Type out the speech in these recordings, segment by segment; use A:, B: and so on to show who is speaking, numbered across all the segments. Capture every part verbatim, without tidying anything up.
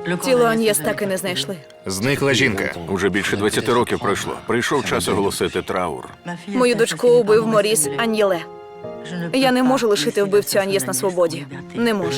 A: Тіло Аньєс так і не знайшли.
B: Зникла жінка.
C: Уже більше двадцяти років пройшло. Прийшов час оголосити траур.
A: Мою дочку убив Моріс Аньєле. Я не можу лишити вбивцю Аньєс на свободі. Не можу.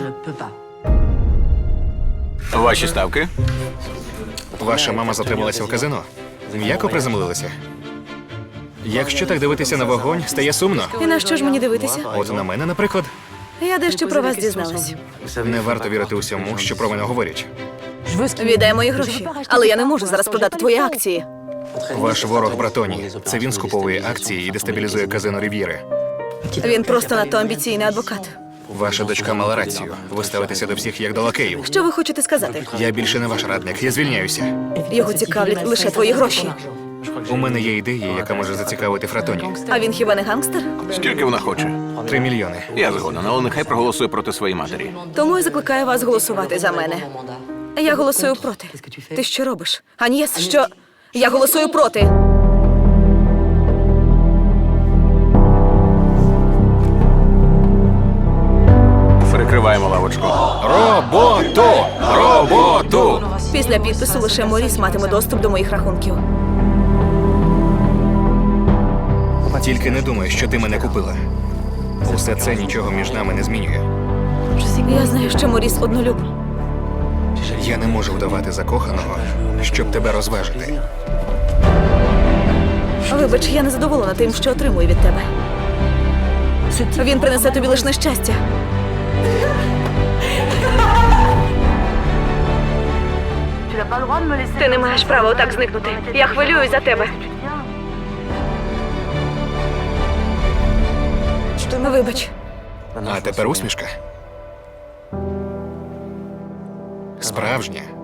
C: Ваші ставки?
B: Ваша мама затрималася в казино. М'яко приземлилася. Якщо так дивитися на вогонь, стає сумно.
A: І на що ж мені дивитися?
B: От на мене, наприклад,
A: Я дещо про вас дізналась.
B: не варто вірити усьому, що про мене говорять.
A: Віддай мої гроші. Але я не можу зараз продати твої акції.
B: Ваш ворог Братоні. Це він скуповує акції і дестабілізує казино Рів'єри.
A: Він просто надто амбіційний адвокат.
B: Ваша дочка мала рацію. Ви ставитеся до всіх як до лакеїв.
A: Що ви хочете сказати?
B: Я більше не ваш радник, я звільняюся.
A: Його цікавлять лише твої гроші.
B: У мене є ідея, яка може зацікавити Фратоні.
A: А він хіба не гангстер?
C: Скільки вона хоче?
B: Три мільйони.
C: Я згоден, але нехай проголосує проти своєї матері.
A: Тому я закликаю вас голосувати за мене. Я голосую проти. Ти що робиш? Аньєс, що? Я голосую проти.
C: Перекриваємо лавочку.
B: Роботу! Роботу!
A: Після підпису лише Моріс матиме доступ до моїх рахунків.
B: Тільки не думай, що ти мене купила. Усе це нічого між нами не змінює.
A: Я знаю, що Моріс однолюб.
B: Я не можу вдавати закоханого, щоб тебе розважити.
A: Вибач, я не задоволена тим, що отримую від тебе. Він принесе тобі лише нещастя. Ти не маєш права отак зникнути. Я хвилююсь за тебе. Вибач.
B: А тепер усмішка. Справжня.